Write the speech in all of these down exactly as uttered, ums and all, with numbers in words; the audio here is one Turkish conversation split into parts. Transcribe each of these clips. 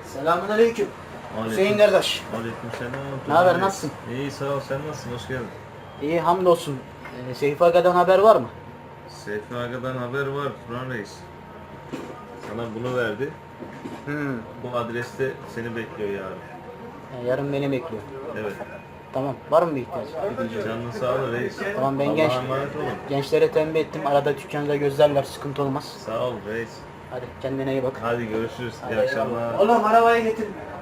Selamünaleyküm. Aleyküm. Hüseyin kardeş. Aleykümselam. Ne haber, nasılsın? İyi, sağ ol, sen nasılsın, hoş geldin. İyi, hamdolsun. Ee, Seyfi Aga'dan haber var mı? Seyfi Aga'dan haber var Turan Reis. Sana bunu verdi. Hmm. Bu adreste seni bekliyor yarın. Yani yarın beni bekliyor. Evet. Tamam. Var mı bir ihtiyaç? Bir diyeceğim. Canın sağ ol reis. Tamam, ben Allah'a genç, emanet olun. gençlere tembih ettim. Arada dükkanda gözlerler, sıkıntı olmaz. Sağ ol reis. Hadi kendine iyi bak. Hadi görüşürüz. İyi akşamlar. Oğlum arabayı getir.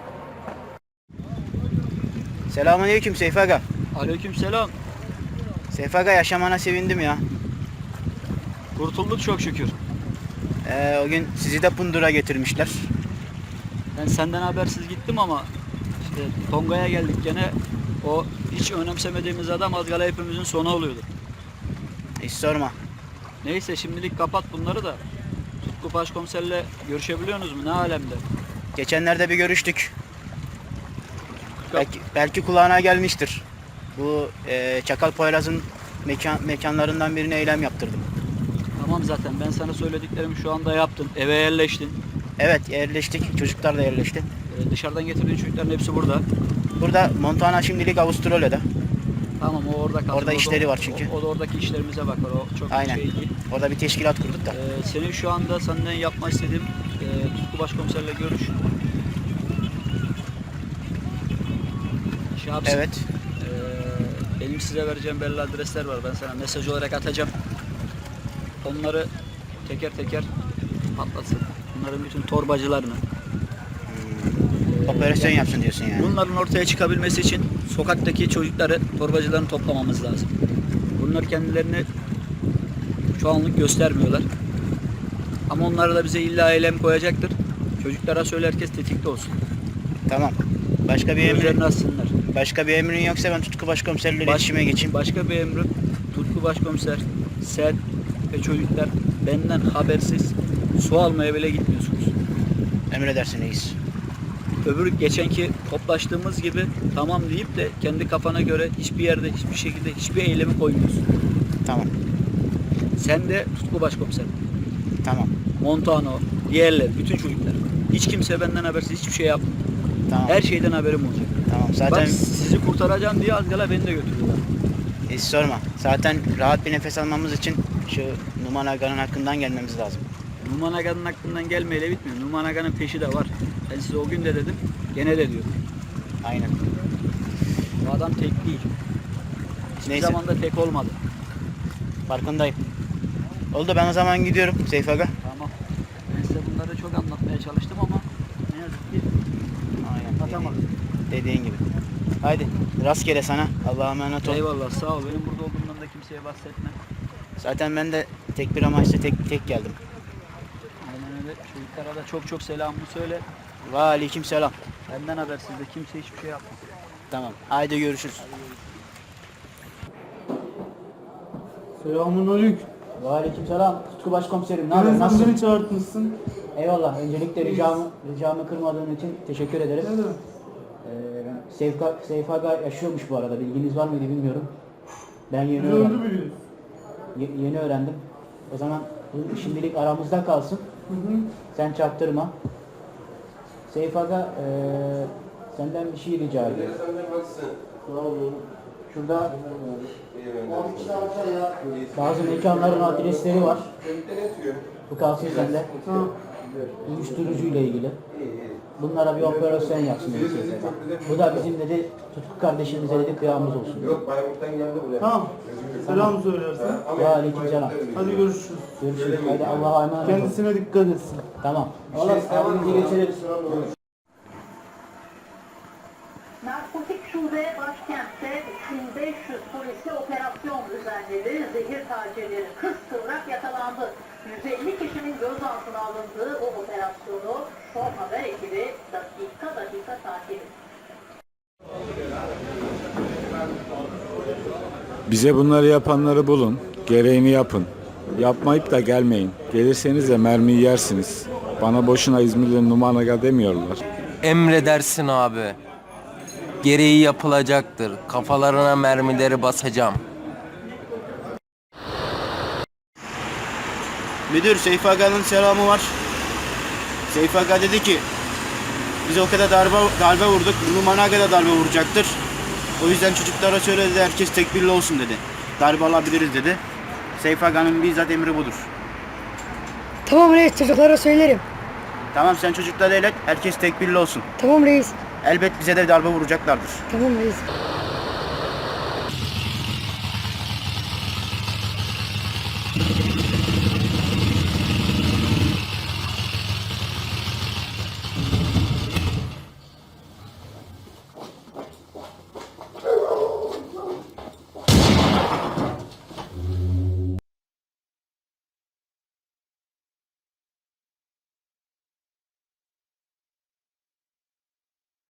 Selamünaleyküm Seyfi Aga. Aleykümselam. Seyfi Aga, yaşamana sevindim ya. Kurtulduk çok şükür. Ee, o gün sizi de Pundur'a getirmişler. Ben senden habersiz gittim ama işte Tonga'ya geldik gene. O hiç önemsemediğimiz adam az kala hepimizin sonu oluyordu. Hiç sorma. Neyse şimdilik kapat bunları da. Tutku Başkomiserle görüşebiliyorsunuz mu? Ne alemde? Geçenlerde bir görüştük. Belki, belki kulağına gelmiştir. Bu e, Çakal Poyraz'ın mekan, mekanlarından birine eylem yaptırdım. Tamam, zaten ben sana söylediklerimi şu anda yaptın. Eve yerleştin. Evet, yerleştik. Çocuklar da yerleşti. Ee, dışarıdan getirdiğin çocukların hepsi burada. Burada Montana şimdilik Avustralya'da. Tamam, o orada kalsın. Orada O da- işleri var çünkü. O, o da oradaki işlerimize bakar. O çok Aynen. şey değil. Orada bir teşkilat kurduk da. Ee, senin şu anda senden yapmak istediğim e, Tutku Başkomiserle görüş. Şey yapsın. Evet. Ee, benim size vereceğim belli adresler var. Ben sana mesaj olarak atacağım. Onları teker teker patlatsın. Bunların bütün torbacılarını. Operasyon yapsın diyorsun yani. Bunların ortaya çıkabilmesi için sokaktaki çocukları, torbacılarını toplamamız lazım. Bunlar kendilerini şu anlık göstermiyorlar. Ama onlar da bize illa eylem koyacaktır. Çocuklara söyle, herkes tetikte olsun. Tamam. Başka bir Gözlerini emrin, açsınlar. başka bir emrin yoksa ben Tutku Başkomiserle Baş- iletişime geçeyim. Başka bir emrim, Tutku Başkomiser, sen ve çocuklar benden habersiz su almaya bile gitmiyorsunuz. Emredersin reis. Öbür geçenki toplaştığımız gibi tamam deyip de kendi kafana göre hiçbir yerde, hiçbir şekilde hiçbir eylemi koymuyorsun. Tamam. Sen de Tutku Başkomiser, Tamam. Montano, diğerler, bütün çocuklar. Hiç kimse benden habersiz hiçbir şey yapmıyor. Tamam. Her şeyden haberim olacak. Tamam. Zaten Bak, sizi kurtaracağım diye az kala beni de götürüyorlar. hiç sorma. Zaten rahat bir nefes almamız için şu Numan Aga'nın hakkından gelmemiz lazım. Numan Aga'nın hakkından gelmeyle bitmiyor. Numan Aga'nın peşi de var. Ben size o gün de dedim, gene de diyorum. Aynen. Bu adam tek değil. Hiçbir Neyse. zaman da tek olmadı. Farkındayım. Oldu, ben o zaman gidiyorum Seyfi Aga. Tamam. Ben size bunları çok anlatmaya çalıştım ama ne yazık ki Aynen. atamadım. Dediğin, dediğin gibi. Haydi rastgele sana. Allah'a emanet ol. Eyvallah, sağ ol. Benim burada olduğumdan da kimseye bahsetme. Zaten ben de tek bir amaçla tek tek geldim. Aynen öyle. Çocuklara da çok çok selamımı söyle. Ve aleyküm selam. Benden habersiz de kimse hiçbir şey yapmasın. Tamam. Haydi görüşürüz. Selamünaleyküm. Ve aleyküm selam. Tutku Başkomiserim. Ne Neden haber? sen Nasılsın? beni çağırtmışsın? Eyvallah. Öncelikle ricamı, ricamı kırmadığın için teşekkür ederim. Ne demek? Ee, Seyfi, Seyfi Aga yaşıyormuş bu arada. Bilginiz var mıydı bilmiyorum. Ben yeni Biz öldü öğrendim. biliyoruz. Ye- yeni öğrendim. O zaman bu şimdilik aramızda kalsın. Hı hı. Sen çaktırma. Seyfi Aga, eee, senden bir şey rica ediyorum. Şurada bazı mekanların adresleri var. Bu kalsın sende. Tamam. Uyuşturucu ile ilgili. Bunlara bir operasyon yapsın dedi Seyfi Aga. Bu da bizim dedi Tutku kardeşimize dedi kıyamız olsun. Yok Bayburt'tan geldi buraya. Tamam. Selam söylersen. Ve aleyküm selam. Hadi görüşürüz. Görüşürüz. Haydi Allah'a emanet olun. Kendisine dikkat etsin. Tamam. Oğlum abimizi geçelim. Narkotik şube başkentte üç bin beş yüz polisi operasyon düzenledi. Zehir tacirleri kıskıvrak yakalandı. yüz elli kişinin gözaltına alındığı bu operasyonu Son Haber ekibi dakika dakika takip etti. Bize bunları yapanları bulun, gereğini yapın. Yapmayıp da gelmeyin. Gelirseniz de mermiyi yersiniz. Bana boşuna İzmirli Numan Aga demiyorlar. Emredersin abi. Gereği yapılacaktır. Kafalarına mermileri basacağım. Müdür, Seyfi Aga'nın selamı var. Seyfi Aga dedi ki Biz o kadar darbe, darbe vurduk. Numan'a kadar darbe vuracaktır. O yüzden çocuklara söyledi, herkes tekbirli olsun dedi. Darbe alabiliriz dedi. Seyfi Aga'nın bizzat emri budur. Tamam reis, çocuklara söylerim. Tamam, sen çocuklara el et, herkes tekbirli olsun. Tamam reis. Elbet bize de darbe vuracaklardır. Tamam reis.